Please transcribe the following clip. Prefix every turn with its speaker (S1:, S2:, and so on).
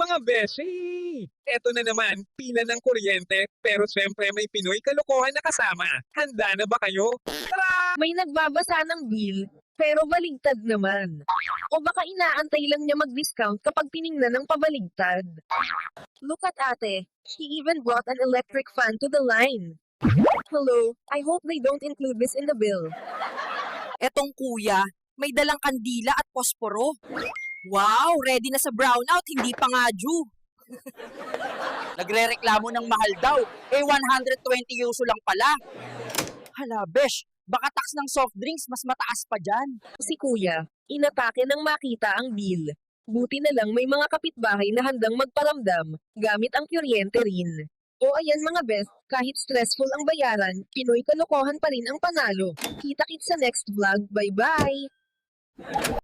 S1: Mga beshi! Eto na naman, pila ng kuryente, pero syempre may Pinoy kalokohan na kasama. Handa na ba kayo? Tara!
S2: May nagbabasa ng bill, pero baligtad naman. O baka inaantay lang niya mag-discount kapag tiningnan ng pabaligtad. Look at ate, she even brought an electric fan to the line. Hello, I hope they don't include this in the bill.
S3: Etong kuya, may dalang kandila at posporo. Wow, ready na sa brownout, hindi pa nga due. Nagre-reklamo ng mahal daw, 120 yuso lang pala. Hala, besh, baka tax ng soft drinks mas mataas pa dyan.
S2: Si kuya, inatake nang makita ang bill. Buti na lang may mga kapitbahay na handang magparamdam, gamit ang kuryente rin. O ayan mga best, kahit stressful ang bayaran, Pinoy kalokohan pa rin ang panalo. Kita-kits sa next vlog, bye-bye!